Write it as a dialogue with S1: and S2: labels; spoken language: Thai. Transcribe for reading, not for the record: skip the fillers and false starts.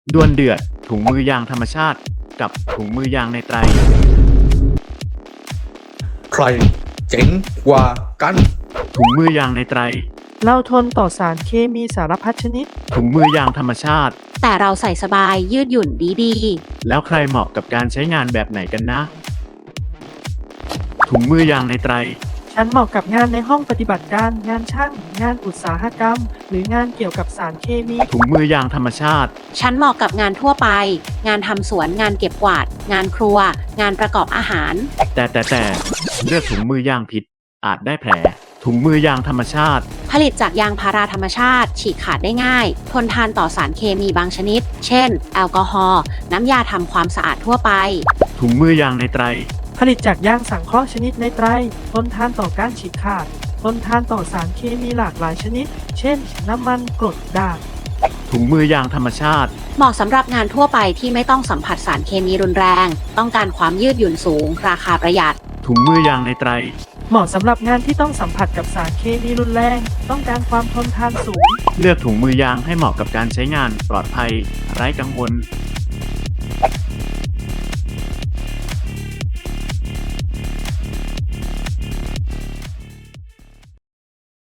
S1: ดวลเดือดถุงมือยางธรรมชาติกับถุงมือยางในไตร
S2: ใครเจ๋งกว่ากัน
S1: ถุงมือยางในไตร
S3: เราทนต่อสารเคมีสารพัดชนิด
S1: ถุงมือยางธรรมชาติ
S4: แต่เราใส่สบายยืดหยุ่นดี
S1: แล้วใครเหมาะกับการใช้งานแบบไหนกันนะ ถุงมือยางในไตร
S3: ฉันเหมาะกับงานในห้องปฏิบัติการ งานช่าง งานอุตสาหกรรม หรืองานเกี่ยวกับสารเคมี
S1: ถุงมือยางธรรมชาติ
S4: ๆ ฉันเหมาะกับงานทั่วไป งานทำสวน งานเก็บกวาด งานครัว งานประกอบอาหาร
S1: แต่เลือกถุงมือยางผิดอาจได้แผล ถุงมือยางธรรมชาติ
S4: ผลิตจากยางพาราธรรมชาติ ฉีกขาดได้ง่าย ทนทานต่อสารเคมีบางชนิด เช่น แอลกอฮอล์ น้ำยาทำความสะอาดทั่วไป
S1: ถุงมือยางในไตร
S3: ผลิตจากยางสังเคราะห์ชนิดในไตรทนทานต่อการฉีกขาด ทนทานต่อสารเคมีหลากหลายชนิด เช่น น้ำมันกรดด่าง
S1: ถุงมือยางธรรมชาติ
S4: เหมาะสำหรับงานทั่วไปที่ไม่ต้องสัมผัสสารเคมีรุนแรง ต้องการความยืดหยุ่นสูง ราคาประหยัด
S1: ถุงมือยางในไตร
S3: เหมาะสำหรับงานที่ต้องสัมผัสกับสารเคมีรุนแรง ต้องการความทนทานสูง
S1: เลือกถุงมือยางให้เหมาะกับการใช้งานปลอดภัยไร้กังวล